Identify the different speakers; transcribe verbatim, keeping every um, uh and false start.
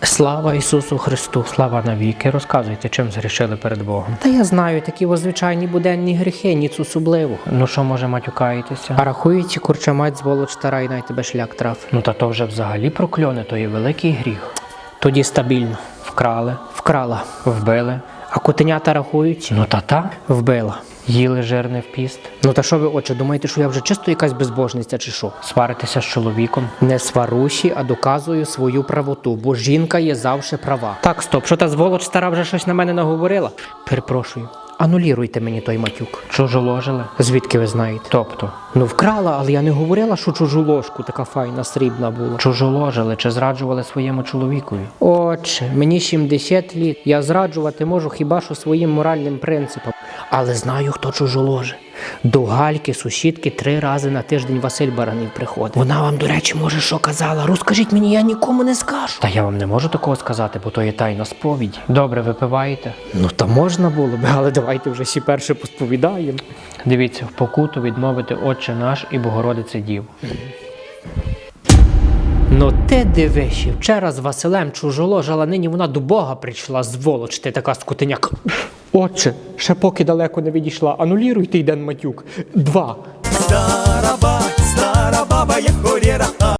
Speaker 1: Слава Ісусу Христу! Слава навіки! Розказуйте, чим згрішили перед Богом. Та я знаю, такі о звичайні буденні гріхи, ніц особливо. Ну що, може, матюкаєтеся? А рахуючи, курча мать, зволоч стара, і най тебе шлях трав. Ну та то вже взагалі прокльоне, то є великий гріх. Тоді стабільно. Вкрали. Вкрала. Вбили. А котенята рахують? Ну та та. Вбила. Їли жирне в піст. Ну та що ви, отче, думаєте, що я вже чисто якась безбожниця чи що? Сваритися з чоловіком? Не сваруші, а доказую свою правоту, бо жінка є завжди права. Так, стоп, що та зволоч стара вже щось на мене наговорила? Перепрошую. Ануліруйте мені той матюк. Чужу ложили? Звідки ви знаєте? Тобто? Ну вкрала, але я не говорила, що чужу ложку така файна, срібна була. Чужу ложили чи зраджували своєму чоловікові? Отче, мені сімдесят літ, я зраджувати можу хіба що своїм моральним принципам. Але знаю, хто чужу ложе. До Гальки, сусідки, три рази на тиждень Василь Баранів приходить. Вона вам, до речі, може, що казала? Розкажіть мені, я нікому не скажу. Та я вам не можу такого сказати, бо то є тайна сповідь. Добре, випиваєте? Ну, та можна було б, але давайте вже ще перше посповідаємо. Дивіться, в покуту відмовити Отче наш і Богородице Діву. Ну ти дивишся, вчора з Василем чужоложала, нині вона до Бога прийшла, зволоч ти така скотиняка. Отче, ще поки далеко не відійшла, ануліруйте йден матюк. Два.
Speaker 2: Стара баба, стара баба, як хорєра.